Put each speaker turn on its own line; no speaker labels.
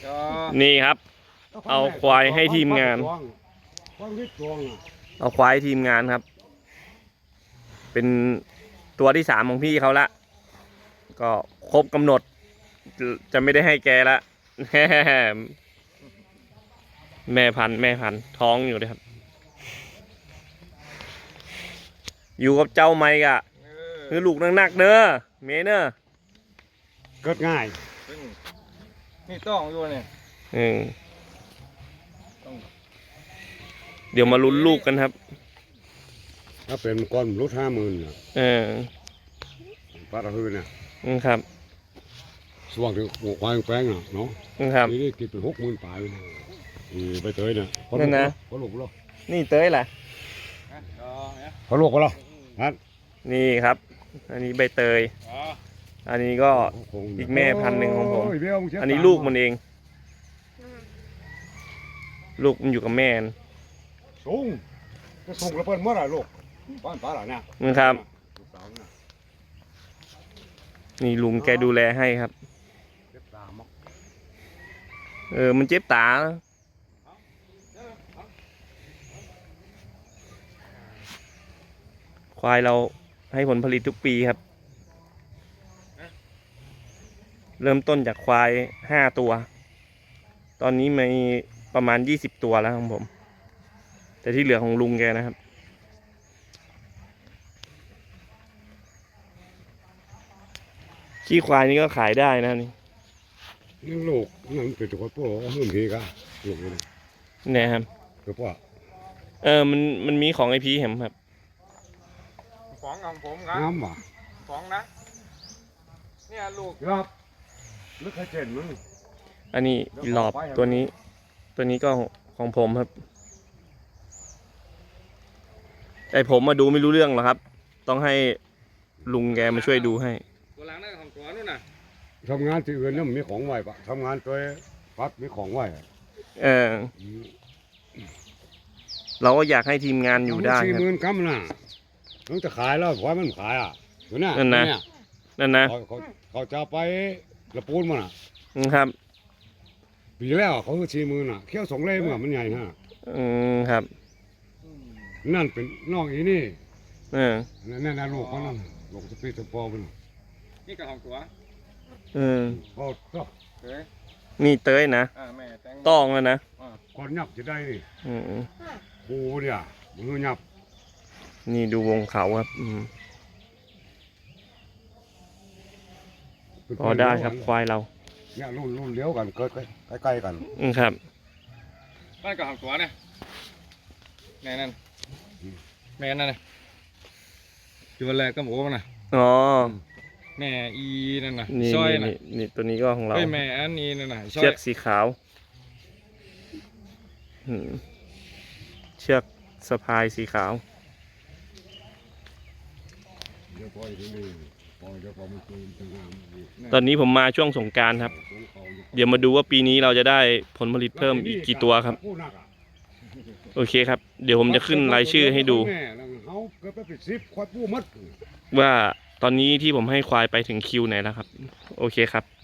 นี่ครับ เอาควายให้ทีมงาน เอาควายทีมงานครับ เป็นตัวที่3ของพี่เขาละก็ครบกำหนดจะไม่ได้ให้แกละ แม่พันธุ์ท้องอยู่เลยครับ อยู่กับเจ้าไมค์กะคือลูกนักๆเนอะเมเนอะ
เกิดง่าย
นี่ต้องอยู่เนี่ย
เดี๋ยวมาลุ้นลูกกันครับ
ถ้าเป็นก้อนรถ50,000 ปลาตะพืนเนี่ย
ครับ
สว่างถึงหัวควายแป้งเนาะ
ครับ
นี่กินเป็น60,000 ปลายไปเตยเนี่ย
นั่นนะ
เขาลูกแล้ว
นี่เต้ยแหละ
เขาลูกแล้วนั่น
นี่ครับ อันนี้ใบเตย อันนี้ก็อีกแม่พันธุ์หนึ่งของผม อันนี้ลูกมันเอง ลูกมันอยู่กับแม่
สูงจะส่งกระเปิ้ลเมื่อไหร่ลูกบ้านป้าหล่ะเนี่ย
นะครับ นี่ลุงแกดูแลให้ครับ มันเจ็บตา ควายเราให้ผลผลิตทุกปีครับ เริ่มต้นจากควาย5 ตัว ตอนนี้มีประมาณ20 ตัวแล้วของผม แต่ที่เหลือของลุงแกนะครับ ขี้ควายนี่ก็ขายได้นะนี่
นั่นลูกนั่นเป็นตัวพ่อเพิ่มพีกะลูกนี่
เนี่ยครับ
คือพ่อ
มันมีของไอพีเห็นครับ
ของของผมครับ
น้ำว่ะ
ของนะเนี่ยลูก
ครับลึกให้เจนมั้ง
อันนี้อีหลอบตัวนี้ก็ของผมครับแต่ผมมาดูไม่รู้เรื่องหรอกครับ ต้องให้ลุงแกมาช่วยดูให้
ตัวหลังนั่นของตัวนู่นน่ะ
ทำงานที่อื่นเนี่ยมีของไหวปะทำงานตัวปั๊บมีของไหว
เราก็อยากให้ทีมงานอยู่ได้ครับ
40,000 คำน่ะต้องจะขายแล้วควายมันขายอยู่น่ะ
นั่นนะ
เขาจะไปละปูนมัน
ครับ
ปีแล้วเขาคือ40,000น่ะเขี้ยว2 เล่มมันใหญ่ฮะ
ครับ
นั่นเป็นน้องอีนี่ นั่นลูกเขานั่นลูกสปีดสปอร์มัน
นี่กับของตัว
เขาก็
เฮ้ย
นี่เต้ยนะ
แม่แตง
ต้องแล้วนะ
ก่อนยับจะได้นี่
อืม
ปูเนี่ยมันยับ
นี่ดูวงเขาครับพอได้ครับควายเรา
เนี่ยรุ่นเลี้ยวกันเกิดใกล้ๆกัน
ครับ
นั่นกับของตัวเนี่ยแม่นั่นแม่นั่นน่ะตัวแรกก็หมูมันน่ะ
อ๋อ
แม่อีนั่นน่ะ
นี่
ซอยน่ะ
นี่ตัวนี้ก็ของเรา
เฮ้ยแม่อันนี้นั่นน่ะซอ
เชื
ย
อกสีขาวเชือกสะพายสีขาว
เดี๋ยวปล่อยที่นี่ปล่อยเดี๋ยวพอมันตื่นจะงาม
ตอนนี้ผมมาช่วงสงกรานต์ครับ เดี๋ยวมาดูว่าปีนี้เราจะได้ผลผลิตเพิ่มอีกกี่ตัวครับ โอเคครับ เดี๋ยวผมจะขึ้นรายชื่อให้ดู
เขาเกิดไปเป็น10ควายปูมัด
ว่าตอนนี้ที่ผมให้ควายไปถึงคิวไหนแล้วครับ โอเคครับ